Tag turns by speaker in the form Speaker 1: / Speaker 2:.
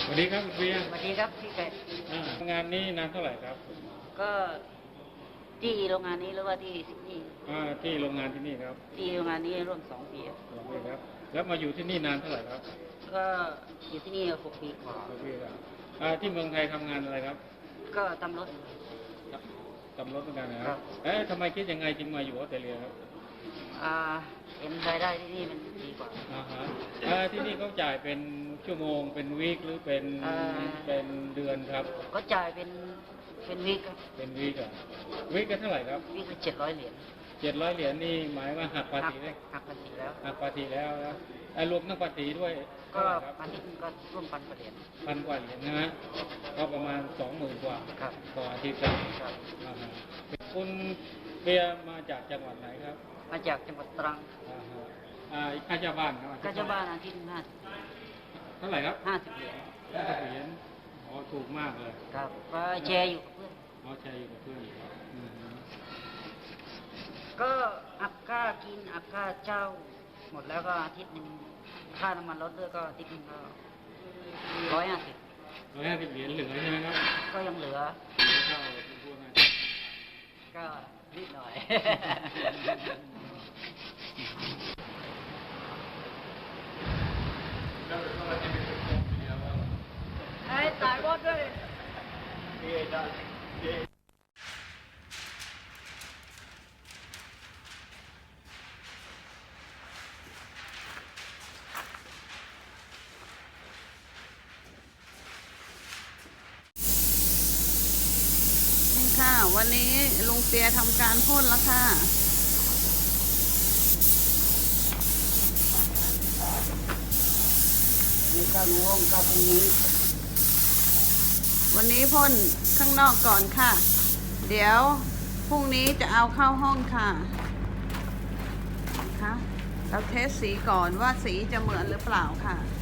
Speaker 1: สวัสดีครับคุณเบียร์
Speaker 2: สวัสดีครับพี่ไก่
Speaker 1: งานนี้นานเท่าไหร่ครับ
Speaker 2: ก็ที่โรงงานนี้หรือว่าที่ซิดนีย์
Speaker 1: ที่โรงงานที่นี่ครับ
Speaker 2: ที่โรงงานนี้ร่วม2 ปี
Speaker 1: 2 ปีครับแล้วมาอยู่ที่นี่นานเท่าไหร่ครับ
Speaker 2: ก็อยู่ที่นี่6 ปีกว่า
Speaker 1: 6 ปีครับที่เมืองไทยทำงานอะไรครับ
Speaker 2: ก็ทำรถ
Speaker 1: ทำรถเหมือนกันนะครับทำไมคิดยังไงจึงมาอยู่ออสเตรเลียครับ
Speaker 2: เห็นรายได้ที่นี่มันดีกว่า
Speaker 1: ที่นี่เขาจ่ายเป็นชั่วโมงเป็นวีคหรือเป็นเดือนครับ
Speaker 2: ก็จ่ายเป็นวีคครับ
Speaker 1: เป็นวีควีคกันเท่าไหร่ครับ
Speaker 2: วีคละ700 เหรียญ
Speaker 1: 700 เหรียญนี่หมายว่าหักภาษีได้
Speaker 2: หักภาษีแล้ว
Speaker 1: หักภาษีแล้วนะรวมทั้งภาษีด้วย
Speaker 2: ก็อาทิตย์ก็ร่วม1,000 กว่าเหรียญ
Speaker 1: 1,000 กว่าเหรียญนะฮะก็ประมาณ20,000 กว่าต่ออาทิตย์ครับคุณเบียร์มาจากจังหวัดไหนครับ
Speaker 2: มาจากจังหวัดตรัง
Speaker 1: ค่าเช่าบ้านครับ
Speaker 2: ค่าเช่าบ้านอาทิตย์
Speaker 1: เท่าไหร่ครับ
Speaker 2: 50 เหรียญ
Speaker 1: 50 เหรียญถูกมากเลย
Speaker 2: ครับก็แชร์อยู่กับเพื่อน
Speaker 1: แชร์อยู่กับเพื่อน
Speaker 2: ก็อับค่ากินอับค่าเช่าหมดแล้วก็อาทิตย์นึงค่าน้ำมันรถด้วยก็อาทิตย์นึงก็150
Speaker 1: เหรียญเหลือใช่ไหมครับ
Speaker 2: ก็ยังเหลือ
Speaker 1: เข้าพวกนั้น
Speaker 2: ก็นิดหน่อยไอ้ตายบอสด้วย
Speaker 3: ค่ะวันนี้ลุงเปียทำการพ่นแล้วค่ะ
Speaker 2: นี่ก็งงก็พรุ่งนี้
Speaker 3: วันนี้พ่นข้างนอกก่อนค่ะเดี๋ยวพรุ่งนี้จะเอาเข้าห้องค่ะนะคะเราเทสสีก่อนว่าสีจะเหมือนหรือเปล่าค่ะ